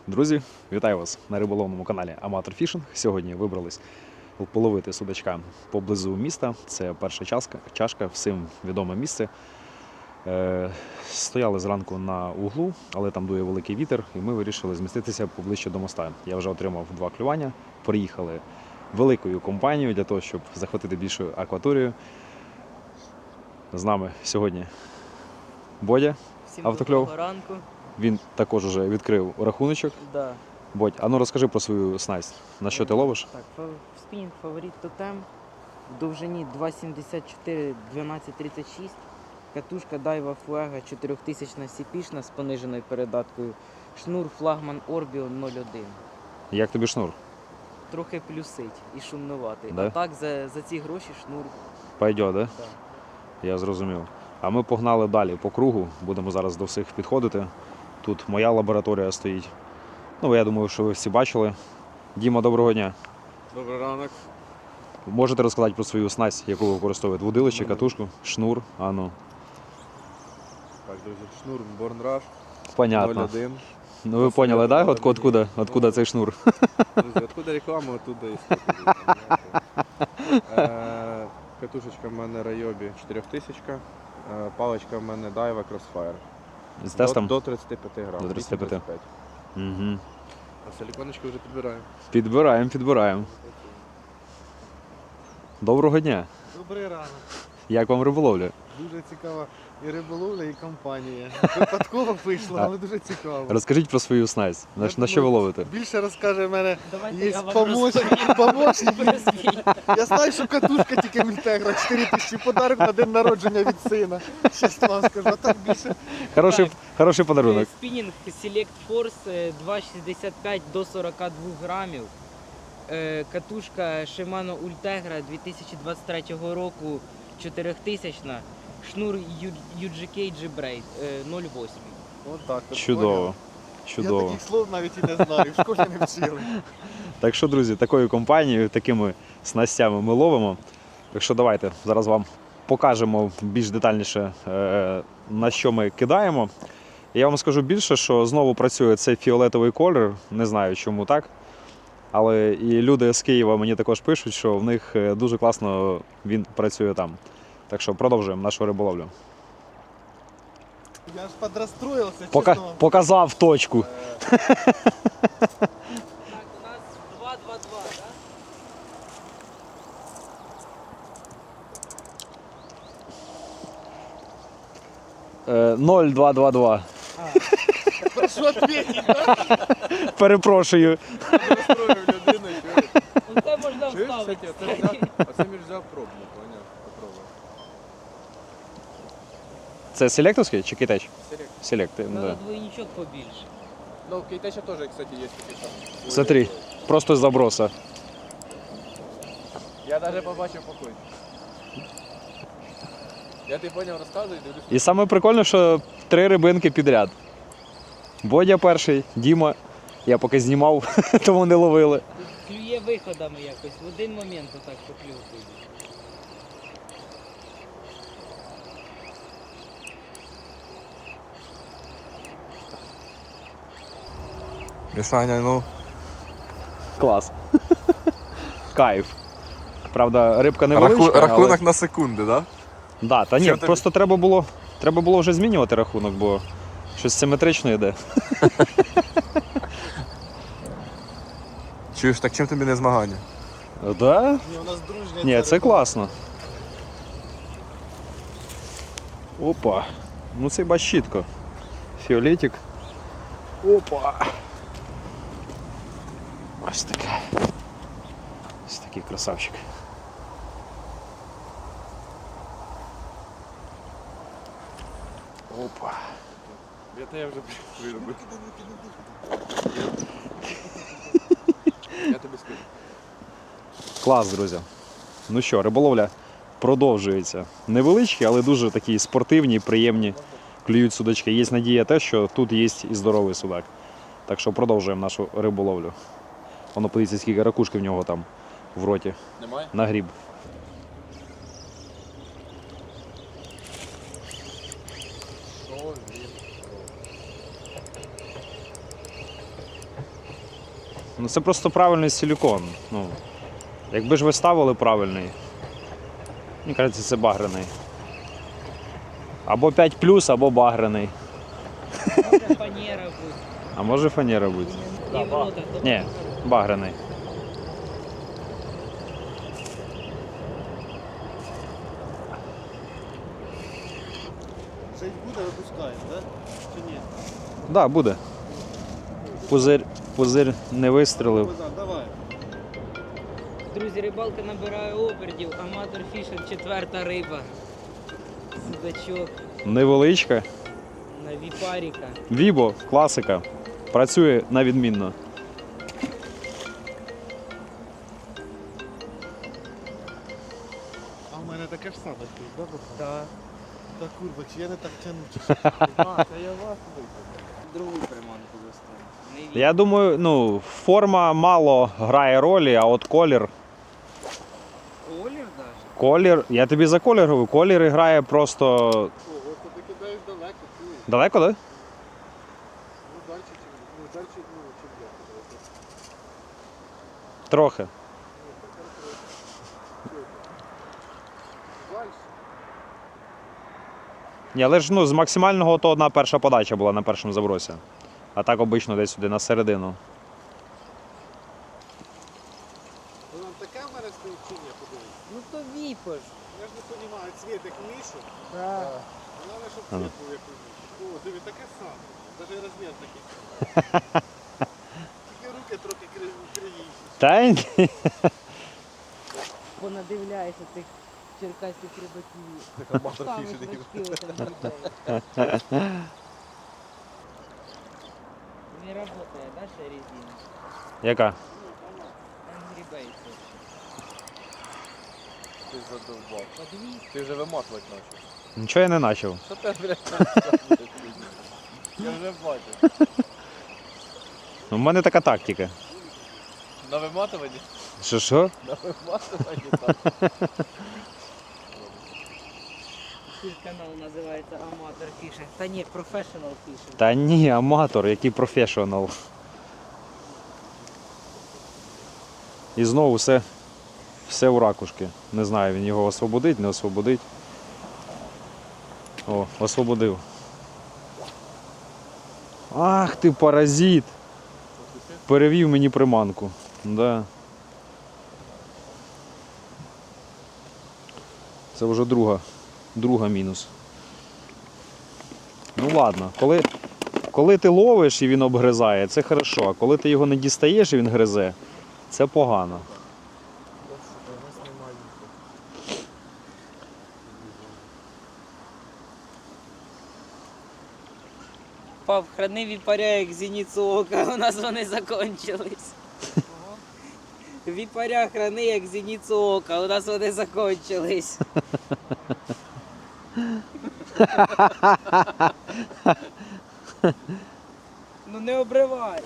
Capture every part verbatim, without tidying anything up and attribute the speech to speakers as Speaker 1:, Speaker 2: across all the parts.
Speaker 1: Друзі, вітаю вас на риболовному каналі Аматор Фішинг. Сьогодні вибрались половити судачка поблизу міста. Це перша чашка, чашка всім відоме місце. Е, стояли зранку на углу, але там дує великий вітер, і ми вирішили зміститися поближче до моста. Я вже отримав два клювання, приїхали великою компанією для того, щоб захватити більшу акваторію. З нами сьогодні Бодя,
Speaker 2: Всім
Speaker 1: автокльов.
Speaker 2: доброго ранку.
Speaker 1: Він також вже відкрив рахуночок.
Speaker 2: Да.
Speaker 1: Бодь, а ну розкажи про свою снасть. На що ти ловиш?
Speaker 2: Так, фа- спінінг фаворит тотем. В довжині два сімдесят чотири дванадцять тридцять шість. Катушка Daiwa Fuego чотирьохтисячна сіпішна з пониженою передаткою. Шнур флагман Orbio нуль один.
Speaker 1: Як тобі шнур?
Speaker 2: Трохи плюсить і шумнуватий.
Speaker 1: Да?
Speaker 2: А так за, за ці гроші шнур.
Speaker 1: Пойде, да?
Speaker 2: Да.
Speaker 1: Я зрозумів. А ми погнали далі по кругу. Будемо зараз до всіх підходити. Тут моя лабораторія стоїть. Ну, я думаю, що ви всі бачили. Діма, доброго дня.
Speaker 3: Добрий ранок.
Speaker 1: Можете розказати про свою снасть, яку ви використовуєте? Вудилище, катушку, шнур? А ну.
Speaker 3: Так, друзі, шнур Born Rush
Speaker 1: Понятно.
Speaker 3: нуль один.
Speaker 1: Ну ви поняли, так? Да? От, откуда, откуда цей шнур?
Speaker 3: Друзі, откуда реклама, оттуда і спокійно. Е, Катушечка в мене Ryobi чотирьохтисячка, е, паличка в мене Daiwa Crossfire.
Speaker 1: З тестом?
Speaker 3: До, до тридцяти п'яти грам.
Speaker 1: До тридцяти п'яти.
Speaker 3: вісім тридцять п'ять.
Speaker 1: Угу.
Speaker 3: А силіконочки вже підбираємо.
Speaker 1: Підбираємо, підбираємо. Доброго дня.
Speaker 4: Добрий ранок.
Speaker 1: Як вам риболовля?
Speaker 4: Дуже цікава і риболовля, і компанія. Випадково вийшло, але дуже цікаво.
Speaker 1: Розкажіть про свою снасть. На,
Speaker 4: Я
Speaker 1: на що ви
Speaker 4: думаю,
Speaker 1: ловите?
Speaker 4: Більше розкаже в мене.
Speaker 2: Давайте
Speaker 4: Є
Speaker 2: я вам
Speaker 4: помощник,
Speaker 2: розповім.
Speaker 4: помощник.
Speaker 2: Про свій.
Speaker 4: Я знаю, що катушка тільки в Інтегра, чотири тисячі подарок на день народження від сина. Щас вам скажу, а так більше.
Speaker 1: Хороший,
Speaker 2: Так.
Speaker 1: хороший подарунок.
Speaker 2: Спінінг Select Force е, два шістдесят п'ять до сорока двох грамів. Е, Катушка Shimano Ultegra дві тисячі двадцять третього року чотирьохтисячна. Шнур ю джі кей G-Braid е, нуль вісім.
Speaker 4: От так. от,
Speaker 1: Чудово.
Speaker 4: поняв? Я
Speaker 1: Чудово.
Speaker 4: таких слов навіть і не знаю, в школі не вчили.
Speaker 1: Так що, друзі, такою компанією, такими снастями ми ловимо. Так що давайте зараз вам покажемо більш детальніше, е, на що ми кидаємо. Я вам скажу більше, що знову працює цей фіолетовий колір, не знаю чому так. Але і люди з Києва мені також пишуть, що в них е, дуже класно він працює там. Так що продовжуємо нашу риболовлю.
Speaker 4: Я аж подрастроївся,
Speaker 1: Пока,
Speaker 4: чесно. вам.
Speaker 1: показав точку.
Speaker 2: Так, у нас два два два, так?
Speaker 1: Е, нуль два два два.
Speaker 4: Прошу відповідь, да?
Speaker 1: Перепрошую.
Speaker 3: Розстроїв людину, чуєш?
Speaker 2: Оце можна
Speaker 3: Чуєш,
Speaker 2: вставити.
Speaker 3: кстати, оце взяв, оце між взяв пробну, поняв? Попробуй.
Speaker 1: Це селектовський чи китач?
Speaker 3: Селект.
Speaker 1: Селект.
Speaker 2: Треба
Speaker 1: Да.
Speaker 2: двойничок побільше.
Speaker 3: Ну, в Кейтача теж, кстати, є такі там.
Speaker 1: Смотри, просто з заброса.
Speaker 3: Я навіть побачив покой. Я ти поняв, розказую, дивлюсь.
Speaker 1: І саме прикольне, що три рибинки підряд. Бодя перший, Діма. Я поки знімав, тому не ловили.
Speaker 2: Клює виходами якось, в один момент отак поклювати.
Speaker 3: Мішаня, ну.
Speaker 1: Клас. Кайф. Правда, рибка невеличка, але...
Speaker 3: на секунди, да?
Speaker 1: Да, та ні,
Speaker 3: Чим тобі?
Speaker 1: просто треба було, треба було вже змінювати рахунок, бо щось симетрично йде.
Speaker 3: Чуєш, так чим тобі не змагання?
Speaker 1: Да?
Speaker 4: Ні, у нас дружня.
Speaker 1: Ні,
Speaker 4: ця
Speaker 1: це
Speaker 4: риба.
Speaker 1: класно. Опа. Ну це бач чітко. Фіолетик. Опа. Ось таке. Ось такий красавчик. Опа.
Speaker 3: Я тебе вже виробив. Я тобі скажу.
Speaker 1: Клас, друзі. Ну що, риболовля продовжується. Невеличкі, але дуже такі спортивні, приємні клюють судачки. Є надія те, що тут є і здоровий судак. Так що продовжуємо нашу риболовлю. Воно подивіться, скільки ракушки в нього там в роті.
Speaker 3: Немає?
Speaker 1: На гріб.
Speaker 3: О, він.
Speaker 1: Ну це просто правильний силікон. Ну, якби ж ви ставили правильний, мені кажеться, це багряний. Або п'ять плюс, або багряний.
Speaker 2: Може фанера бути.
Speaker 1: А може фанера бути.
Speaker 2: І ворота. то
Speaker 1: Ні, багряний.
Speaker 4: Щось буде, випускаємо, так? Чи ні?
Speaker 1: Так, да, буде. Пузир, пузир не вистрілив.
Speaker 4: Богдан, давай.
Speaker 2: Друзі, рибалка набирає обертів, аматор фішинг, четверта риба. Судачок
Speaker 1: Невеличка.
Speaker 2: на віпаріка.
Speaker 1: Вібо, класика. Працює на відмінно.
Speaker 4: А в мене таке ж саме стоїть, да, Богдан?
Speaker 2: Так.
Speaker 4: Та курва, чи я не так тягну, чи що? А, та я вас вийду.
Speaker 2: Другу приманку достану.
Speaker 1: Я думаю, ну, форма мало грає ролі, а от колір.
Speaker 2: Колір даже?
Speaker 1: Колір. Я тобі за колір говорю, колір грає просто.
Speaker 4: О, от ти кидаєш далеко, чуєш?
Speaker 1: Далеко, так? Да?
Speaker 4: Ну, далі чи ну, далі, ну, чи б'є.
Speaker 1: Трохи.
Speaker 4: Далі.
Speaker 1: Ні, але ж ну, з максимального то одна перша подача була на першому забросі. А так обично десь сюди на середину.
Speaker 4: Ну, нам таке в мене стоїть чи ні, подивись.
Speaker 2: Ну то віпаш.
Speaker 4: Я ж не розумію, цвіт як мішу.
Speaker 2: Так.
Speaker 4: Головне, щоб
Speaker 1: Ага.
Speaker 4: цвіт був як у мішу. О, диви, таке саме. Навіть розмір такий. Тільки руки трохи криві- кривіші.
Speaker 1: Та ні.
Speaker 2: Понадивляєшся тих черкаських рибаків.
Speaker 3: Так аматор
Speaker 2: Там
Speaker 3: фішинг.
Speaker 2: значки отам літають. Не работає, да, ще резина?
Speaker 1: Яка?
Speaker 2: Angry Birds.
Speaker 3: Ти задовбав.
Speaker 2: Подивись.
Speaker 3: Ти вже виматувати почав.
Speaker 1: Нічого я не почав.
Speaker 3: Що ти, блядь, розказуєш? Я вже бачу.
Speaker 1: У мене така тактика.
Speaker 3: На виматуванні?
Speaker 1: Що що?
Speaker 3: На виматуванні так.
Speaker 2: Тут канал називається Аматор Фішинг. Та ні, Professional Fishing.
Speaker 1: Та ні, аматор, який професіонал. І знову все, все у ракушки. Не знаю, він його освободить, не освободить. О, освободив. Ах ти паразит! Перевів мені приманку. Да. Це вже друга, друга мінус. Ну ладно, коли, коли ти ловиш і він обгризає, це хорошо, а коли ти його не дістаєш і він гризе, це погано.
Speaker 2: Пап, храни віпаря як зіницю ока, у нас вони закончились. Віпаря храни як зіницю ока, у нас вони закончились. Ну не обривай.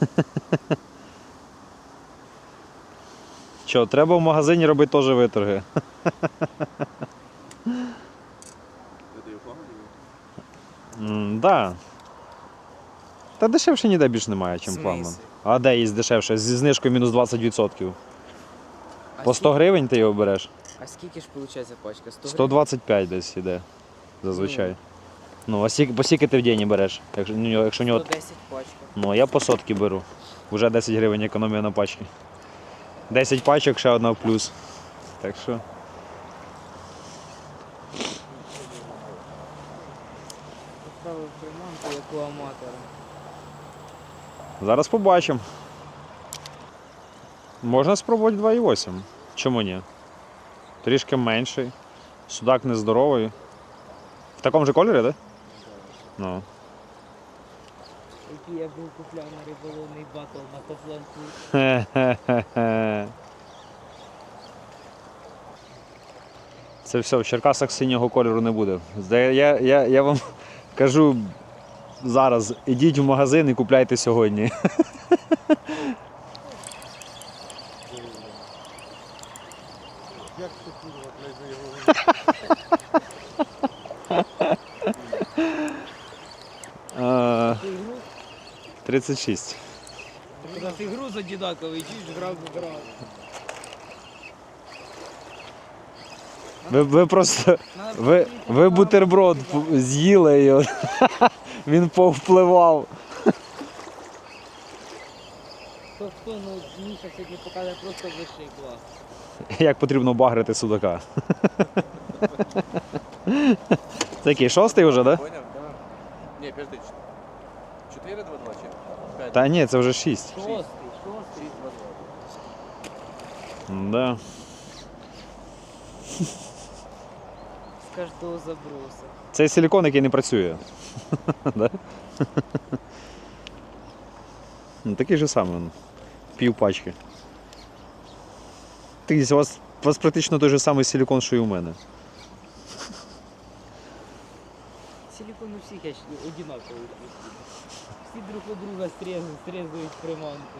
Speaker 1: Що, треба в магазині робити теж виторги.
Speaker 3: Ти його погано?
Speaker 1: М, да. Та дешевше ніде більш немає, ніж
Speaker 2: В
Speaker 1: флагман.
Speaker 2: смислі?
Speaker 1: А де є дешевше? Зі знижкою мінус двадцять відсотків. По сто гривень ти його береш?
Speaker 2: А скільки ж виходить пачка?
Speaker 1: сто двадцять п'ять десь іде. Зазвичай. Ну, а скільки, по скільки ти в день береш? Якщо, ну, якщо у нього...
Speaker 2: сто десять пачка.
Speaker 1: Ну, я по сотки беру. Вже десять гривень економія на пачки. десять пачок, ще одна в плюс. Так що.
Speaker 2: Поставив приманку, як у аматора.
Speaker 1: Зараз побачимо. Можна спробувати два і вісім. Чому ні? Трішки менший. Судак нездоровий. В такому же кольорі, так? Да? Ну.
Speaker 2: Який я був купляв на риболовний батл на Кофланку.
Speaker 1: Хе-хе-хе. Це все, в Черкасах синього кольору не буде. Зда- Я, я, я вам кажу зараз, ідіть в магазин і купляйте сьогодні.
Speaker 4: Як ти курва, блядь, за його
Speaker 1: Е,
Speaker 2: Ти його
Speaker 1: тридцять шість.
Speaker 2: У нас і груз одинаковий, чуєш, грав в грав.
Speaker 1: Ви, ви просто.
Speaker 2: Надо
Speaker 1: Ви,
Speaker 2: просто
Speaker 1: ви
Speaker 2: їх
Speaker 1: бутерброд
Speaker 2: поправити,
Speaker 1: п- з'їли і от він повпливав.
Speaker 2: Хто хто, ну Міша сьогодні покаже просто вищий клас.
Speaker 1: Як потрібно багрити судака. Це який, шостий вже, так? Да?
Speaker 3: Поняв? Так. Ні, подожди. чотири два два чи п'ять?
Speaker 1: Та ні, це вже шість.
Speaker 2: Шостий, шостий.
Speaker 3: шість два два.
Speaker 1: Да.
Speaker 2: З кожного заброса.
Speaker 1: Це силікон, який не працює. Да? Ну, такий же самий. він. Пів пачки. Ти, у вас, у вас практично той же самий силікон, що і у мене.
Speaker 2: Силикон у всіх я ж одинаковий. Всі друг у друга срезають, срезають приманку.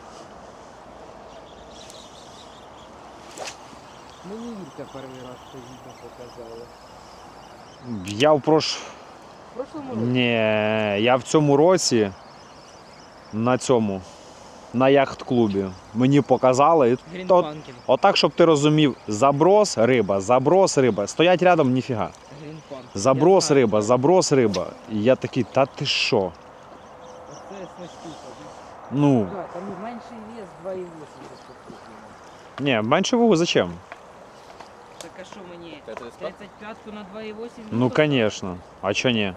Speaker 2: Мені Юрка перший раз це відео показала.
Speaker 1: Я в прош...
Speaker 2: В прошлому році?
Speaker 1: Ні, я в цьому році на цьому, на яхт-клубі. Мені показали. і то-
Speaker 2: Грінпанкін.
Speaker 1: Отак, щоб ти розумів, заброс риба, заброс риба. Стоять рядом, ніфіга.
Speaker 2: Грінпанкін.
Speaker 1: Заброс
Speaker 2: Я знаю,
Speaker 1: риба,
Speaker 2: так.
Speaker 1: заброс риба. І я такий, та ти що?
Speaker 2: Оце снастюка.
Speaker 1: Ну,
Speaker 2: Так, там менший вес два і вісім розпокуплений.
Speaker 1: ні, менше вагу зачем?
Speaker 2: Так а що мені?
Speaker 3: Це тридцять п'ять?
Speaker 2: тридцять п'ятку на два і вісім?
Speaker 1: Ну, звісно. А чо ні?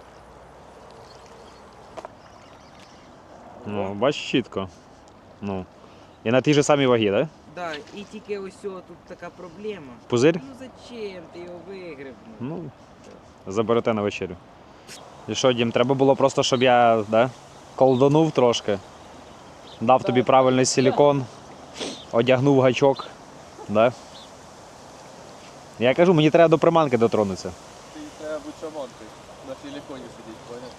Speaker 1: Ну, бачиш чітко. Ну. І на тій же самій вагі, так? Да?
Speaker 2: Так, і тільки ось о, тут така проблема.
Speaker 1: Пузирь?
Speaker 2: Ну зачем ти його вигреб?
Speaker 1: Ну, заберете на вечерю. І що, Дім, треба було просто, щоб я, да, колдонув трошки, дав тобі
Speaker 2: Так.
Speaker 1: правильний силікон, одягнув гачок, да? Я кажу, мені треба до приманки дотронутися.
Speaker 3: Ти треба бути шаманкою. На силіконі сидіть, поняв?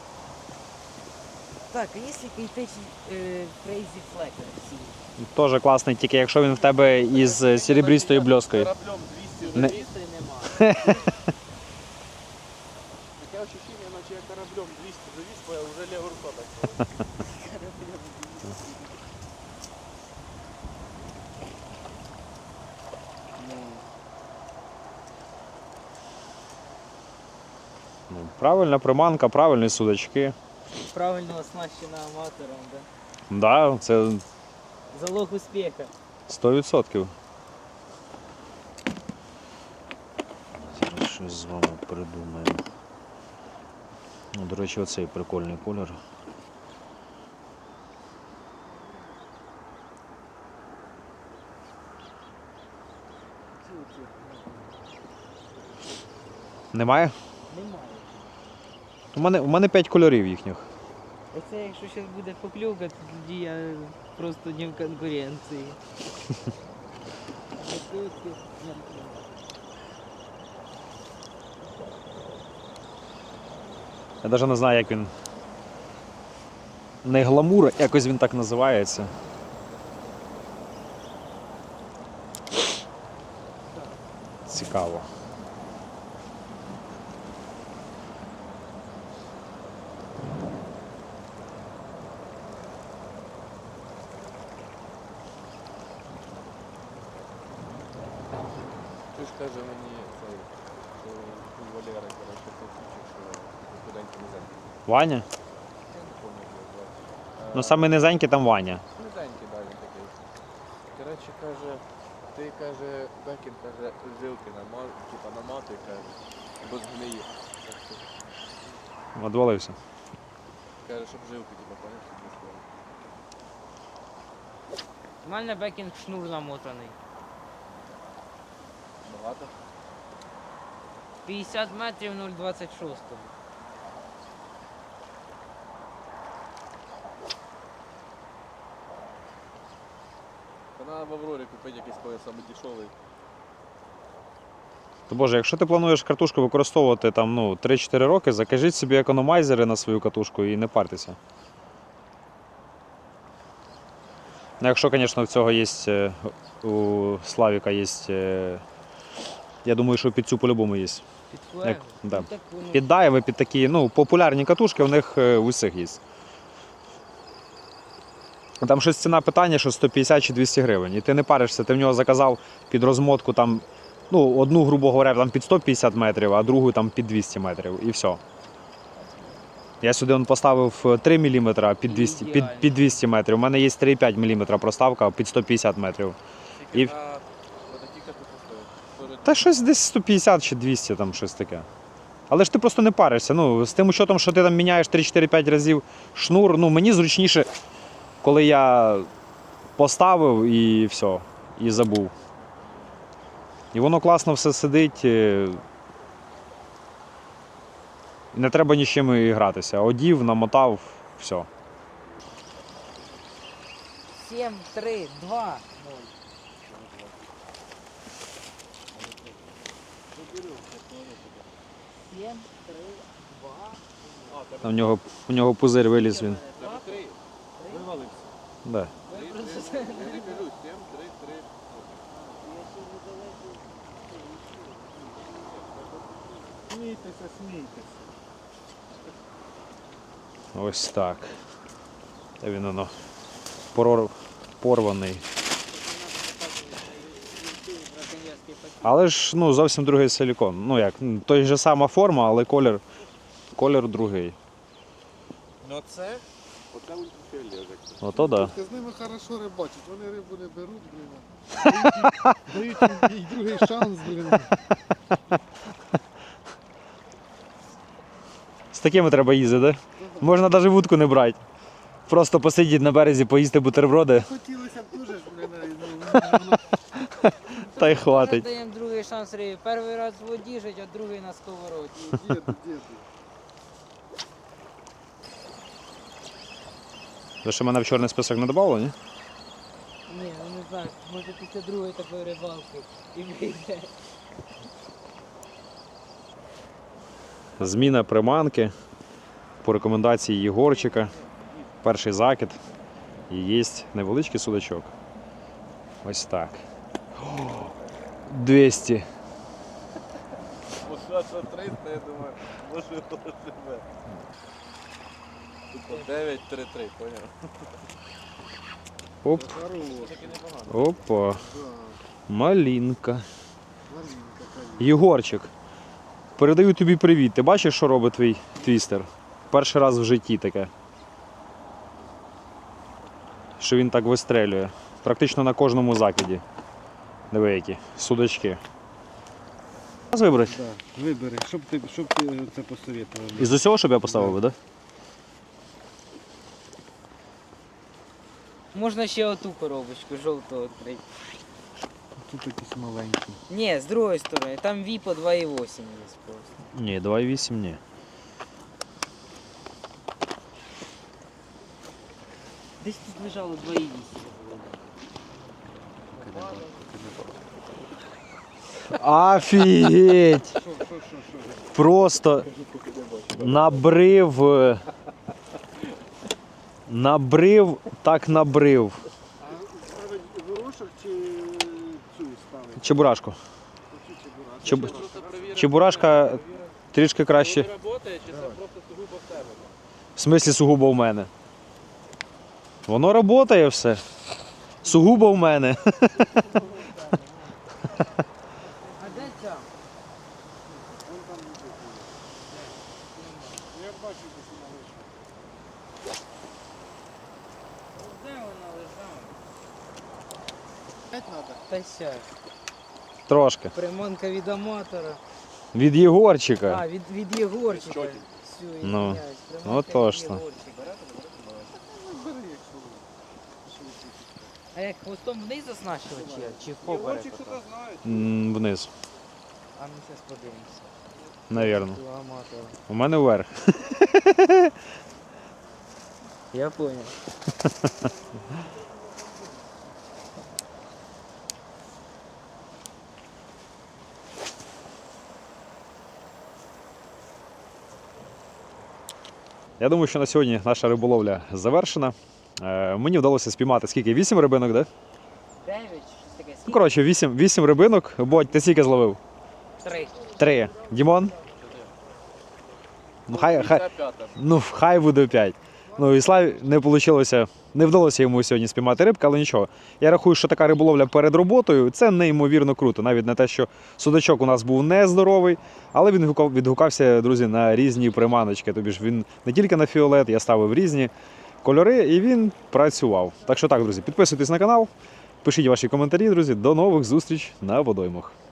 Speaker 2: Так, а є якийсь е, Crazy Flacker всі?
Speaker 1: Теж класний, тільки якщо він в тебе із е, серебристою бльоскою.
Speaker 3: Кораблем двісті
Speaker 1: Не-
Speaker 3: завіз.
Speaker 2: Серебристої нема.
Speaker 3: Таке ощущення, наче я кораблем двісті завіз, бо я вже ліва рука так.
Speaker 1: Ну, правильна приманка, правильні судачки.
Speaker 2: Правильно оснащена аматором, да?
Speaker 1: Да, це
Speaker 2: Залог успіха.
Speaker 1: сто відсотків. Зараз щось з вами придумаємо. Ну, до речі, оцей прикольний колір. Немає?
Speaker 2: Немає.
Speaker 1: У мене, у мене п'ять кольорів їхніх.
Speaker 2: Оце якщо зараз буде покльовка, то тоді я просто не в конкуренції.
Speaker 1: Я навіть не знаю, як він. Не гламур, якось він так називається. Цікаво.
Speaker 3: Ти ж каже мені цей, що у Валери, коротше, хлопчик, що студентів низенький.
Speaker 1: Ваня?
Speaker 3: Я не пам'ятаю, як звати.
Speaker 1: Ну
Speaker 3: Е,
Speaker 1: саме низенький там Ваня.
Speaker 3: Низенький, да, він такий. Коротше, каже, ти, каже, Бекін, каже, жилки нама, типа наматуй, каже, бо згниє. Так що,
Speaker 1: Одвалився.
Speaker 3: каже, щоб жилки, типа, поняв, щоб не склали.
Speaker 2: У мене бекінг шнур намотаний.
Speaker 3: Багато?
Speaker 2: п'ятдесят метрів нуль двадцять шість.
Speaker 3: Та треба в Аврорі купити якийсь коли саме дешевий.
Speaker 1: То Боже, якщо ти плануєш катушку використовувати там, ну, три-чотири роки, закажіть собі економайзери на свою катушку і не партеся. Ну, якщо, звісно, в цього є, е, у Славіка є, е, я думаю, що під цю по-любому є.
Speaker 2: Під
Speaker 1: Як-
Speaker 2: флегу.
Speaker 1: да.
Speaker 2: Ну, так воно-
Speaker 1: Під дайви, під такі, ну, популярні катушки, у них е, у всіх є. Там щось ціна питання, що сто п'ятдесят чи двісті гривень. І ти не паришся, ти в нього заказав під розмотку там, ну, одну, грубо говоря, там під сто п'ятдесят метрів, а другу там під двісті метрів. І все. Я сюди он поставив три міліметри під двісті, під, під двісті метрів. У мене є три і п'ять міліметра проставка під сто п'ятдесят метрів. І-
Speaker 3: І... На... Отакі катушки стоять.
Speaker 1: Та щось десь сто п'ятдесят чи двісті, там щось таке. Але ж ти просто не паришся. Ну, з тим учетом, що ти там міняєш три-чотири-п'ять разів шнур, ну мені зручніше, коли я поставив і все, і забув. І воно класно все сидить. е, Не треба ні з чим і гратися. Одів, намотав, все.
Speaker 2: сім, три, два, ноль. сім, три, два.
Speaker 1: Там у нього, у нього пузир виліз він.
Speaker 3: Три. Вивалився.
Speaker 1: Да.
Speaker 3: Три, три, три, кажу, сім, три, три.
Speaker 4: Смійтеся, смійтеся.
Speaker 1: Ось так. Та він воно порор- порваний. Але ж ну, зовсім другий силікон. Ну як, ну, той же сама форма, але колір, колір другий.
Speaker 3: Ну це? Оце ультрафіолет.
Speaker 1: Ото да.
Speaker 4: Ти з ними хорошо рибачать, вони рибу не беруть, блін. Дають їм- дають їм і другий шанс, блін.
Speaker 1: З такими треба їздити, да? Можна навіть вудку не брати. Просто посидіти на березі, поїсти бутерброди,
Speaker 4: Хотілося б дуже ж, блін, ну, воно
Speaker 1: та й
Speaker 2: Зараз
Speaker 1: хватить.
Speaker 2: даємо другий шанс рибі. Перший раз в воді жить, а другий на сковороді.
Speaker 4: діду, діду.
Speaker 1: Ви ще мене в чорний список не додавали, ні?
Speaker 2: Ні, ну не знаю, може після другої такої рибалки і вийде.
Speaker 1: Зміна приманки по рекомендації Єгорчика. Перший закид. І є невеличкий судачок. Ось так. О, двісті.
Speaker 3: Оша, що триста, я думаю, може його живе. Тупо дев'ять три три, поняв?
Speaker 1: Оп,
Speaker 3: Таки непогано.
Speaker 1: опа.
Speaker 4: Да,
Speaker 1: Малінка.
Speaker 4: маленька каліна.
Speaker 1: Єгорчик, передаю тобі привіт. Ти бачиш, що робить твій твістер? Перший раз в житті таке. Що він так вистрелює. Практично на кожному закиді. Диви які. Судачки. Раз вибрати.
Speaker 4: Да, вибери, щоб ти, щоб ти це посоветував.
Speaker 1: Із усього, щоб я поставив, так? Да?
Speaker 2: Можна ще оту коробочку жовту відкрити.
Speaker 4: Тут якісь маленькі.
Speaker 2: Ні, з другої сторони, там віпо два і вісім є просто.
Speaker 1: Ні, два і вісім ні.
Speaker 2: Десь тут лежало два і вісім.
Speaker 1: Офігеть!
Speaker 4: Що, що, що, що?
Speaker 1: Просто набрив. е, Набрив, так набрив.
Speaker 4: А ставить горошок чи цю ставить?
Speaker 1: Чебурашку.
Speaker 4: Оцю чебурашку?
Speaker 1: Чеб...
Speaker 3: Просто перевірити,
Speaker 1: Чебурашка трішки краще.
Speaker 3: коли працює, чи це просто сугубо в тебе?
Speaker 1: В смислі сугубо в мене. Воно працює все. Сугубо в мене.
Speaker 2: А де ця?
Speaker 4: Вон там лежить. Я бачу, де вона лежить.
Speaker 2: Де вона лежала?
Speaker 4: П'ять надо?
Speaker 2: Та сядь.
Speaker 1: Трошки.
Speaker 2: Приманка від аматора.
Speaker 1: Від Єгорчика.
Speaker 2: А, від, від Єгорчика.
Speaker 3: Чотик.
Speaker 2: Все, я
Speaker 1: Ну,
Speaker 2: извиняюсь. Приманка
Speaker 1: ну,
Speaker 2: від
Speaker 1: точно.
Speaker 2: Єгорчика.
Speaker 4: Ну, бери, якщо ви.
Speaker 2: А як хвостом вниз оснащувати чи, чи впоперек?
Speaker 4: Єгорчик
Speaker 2: отак?
Speaker 4: хто знає.
Speaker 1: М, Вниз,
Speaker 2: А ну зараз подивимося.
Speaker 1: навірно.
Speaker 2: До аматора.
Speaker 1: У мене вверх.
Speaker 2: Я понял.
Speaker 1: Я думаю, що на сьогодні наша риболовля завершена. Е, Мені вдалося спіймати скільки? Вісім рибинок, так? Да?
Speaker 2: Дев'ять, щось таке.
Speaker 1: Ну,
Speaker 2: Скільки?
Speaker 1: коротше, вісім, вісім рибинок. Бодь, ти скільки зловив?
Speaker 2: Три.
Speaker 1: Три. Дімон? Ну, хай, хай,
Speaker 3: Це п'ята.
Speaker 1: ну, хай буде п'ять. Ну, і Славі не вийшло Не вдалося йому сьогодні спіймати рибки, але нічого. Я рахую, що така риболовля перед роботою це неймовірно круто. Навіть не те, що судачок у нас був нездоровий, але він відгукав- відгукався, друзі, на різні приманочки. Тобі ж він не тільки на фіолет, я ставив різні кольори і він працював. Так що так, друзі, підписуйтесь на канал, пишіть ваші коментарі, друзі. До нових зустріч на водоймах.